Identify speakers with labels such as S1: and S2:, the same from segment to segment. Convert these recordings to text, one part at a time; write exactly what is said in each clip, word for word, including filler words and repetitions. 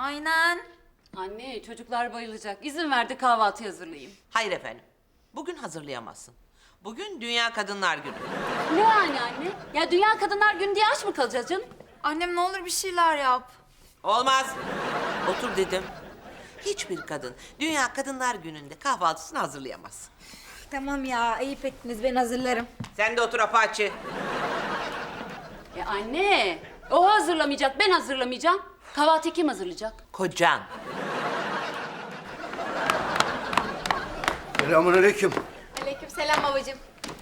S1: Aynen.
S2: Anne çocuklar bayılacak. İzin verdi kahvaltı hazırlayayım.
S3: Hayır efendim. Bugün hazırlayamazsın. Bugün Dünya Kadınlar Günü.
S2: Ne yani anne? Ya Dünya Kadınlar Günü diye aç mı kalacağız canım?
S1: Annem ne olur bir şeyler yap.
S3: Olmaz. Otur dedim. Hiçbir kadın Dünya Kadınlar Günü'nde kahvaltısını hazırlayamaz.
S1: Tamam ya ayıp ettiniz ben hazırlarım.
S3: Sen de otur Apache.
S2: E anne o hazırlamayacak ben hazırlamayacağım. Kahvaltıyı kim hazırlayacak?
S3: Kocan.
S4: Selamünaleyküm.
S1: Aleykümselam babacığım.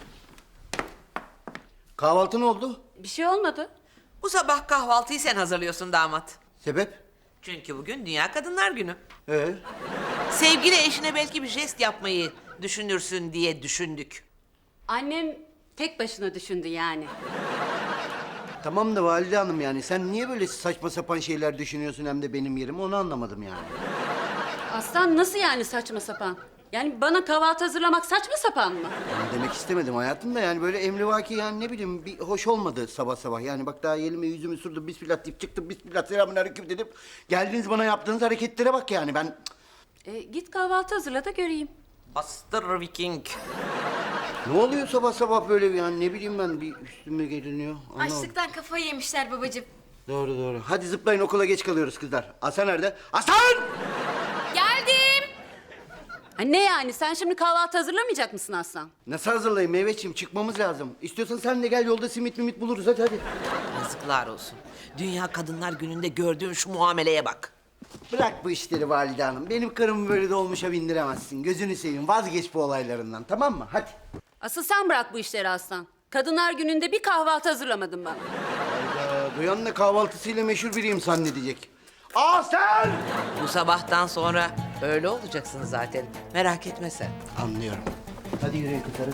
S4: Kahvaltı ne oldu?
S2: Bir şey olmadı.
S3: Bu sabah kahvaltıyı sen hazırlıyorsun damat.
S4: Sebep?
S3: Çünkü bugün Dünya Kadınlar Günü.
S4: Ee?
S3: Sevgili eşine belki bir jest yapmayı düşünürsün diye düşündük.
S2: Annem tek başına düşündü yani.
S4: Tamam da Valide Hanım yani sen niye böyle saçma sapan şeyler düşünüyorsun hem de benim yerime onu anlamadım yani.
S2: Aslan nasıl yani saçma sapan? Yani bana kahvaltı hazırlamak saçma sapan mı?
S4: Yani demek istemedim hayatım da yani böyle emrivaki yani ne bileyim bir hoş olmadı sabah sabah. Yani bak daha elimi yüzümü sürdüm bismillah deyip çıktım bismillah selamünaleyküm dedim. Geldiniz bana yaptığınız hareketlere bak yani ben...
S2: E, git kahvaltı hazırla da göreyim.
S3: Bastır Viking.
S4: Ne oluyor sabah sabah böyle yani ne bileyim ben bir üstüme geliniyor. Anlamadım.
S1: Açlıktan kafayı yemişler babacığım.
S4: Doğru doğru. Hadi zıplayın okula geç kalıyoruz kızlar. Hasan nerede? Hasan!
S1: Geldim.
S2: Ha, ne yani sen şimdi kahvaltı hazırlamayacak mısın Aslan?
S4: Nasıl hazırlayayım meyveciğim çıkmamız lazım. İstiyorsan sen de gel yolda simit mimit buluruz hadi hadi.
S3: Yazıklar olsun. Dünya Kadınlar Günü'nde gördüğün şu muameleye bak.
S4: Bırak bu işleri Valide Hanım. Benim karımı böyle dolmuşa bindiremezsin. Gözünü seveyim vazgeç bu olaylarından tamam mı? Hadi.
S2: Asıl sen bırak bu işleri Aslan. Kadınlar Günü'nde bir kahvaltı hazırlamadın bana.
S4: Hayda, duyan da kahvaltısıyla meşhur biriyim zannedecek. Aa sen!
S3: Bu sabahtan sonra öyle olacaksın zaten. Merak etme sen.
S4: Anlıyorum. Hadi yürüyün kızları.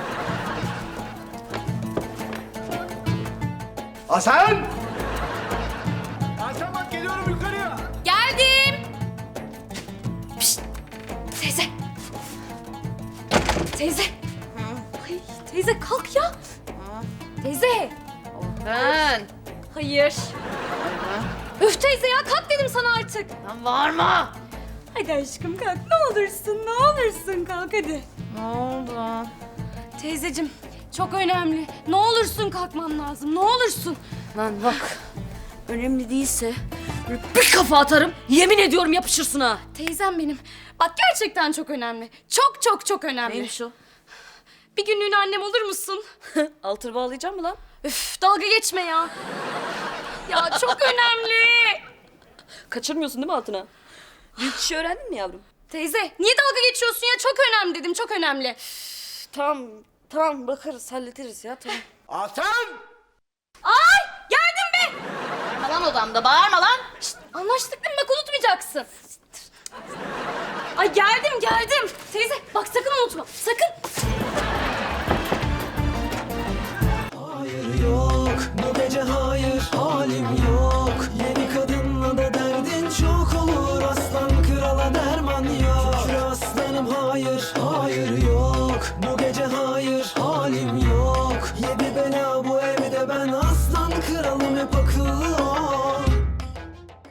S4: Hasan!
S5: Hasan bak geliyorum yukarıya.
S1: Geldim. Pişt. Teyze. Teyze. Ay, teyze kalk ya. Teyze.
S6: Ben.
S1: Hayır. Üf teyze ya kalk dedim sana artık.
S6: Lan bağırma.
S1: Hadi aşkım kalk ne olursun ne olursun kalk hadi.
S6: Ne oldu?
S1: Teyzeciğim çok önemli. Ne olursun kalkman lazım ne olursun.
S6: Lan bak. Önemli değilse böyle bir kafa atarım. Yemin ediyorum yapışırsın ha.
S1: Teyzem benim. Bak gerçekten çok önemli. Çok çok çok önemli.
S6: Neymiş o?
S1: Bir günlüğüne annem olur musun?
S6: Altır bağlayacağım mı lan?
S1: Üf dalga geçme ya. Ya çok önemli.
S6: Kaçırmıyorsun değil mi altına? Büyük işi öğrendin mi yavrum?
S1: Teyze niye dalga geçiyorsun ya? Çok önemli dedim çok önemli.
S6: Tamam, tamam bakarız, hallederiz ya tamam.
S4: Hasan!
S1: Ay geldim be.
S6: Bağırma lan odamda, bağırma lan.
S1: Şşt, anlaştık değil mi? Bak unutmayacaksın. Ay geldim geldim. Teyze bak sakın unutma sakın.
S7: Hayır yok bu gece hayır halim yok. Yeni kadınla da derdin çok olur. Aslan krala derman yok. Şükür aslanım hayır hayır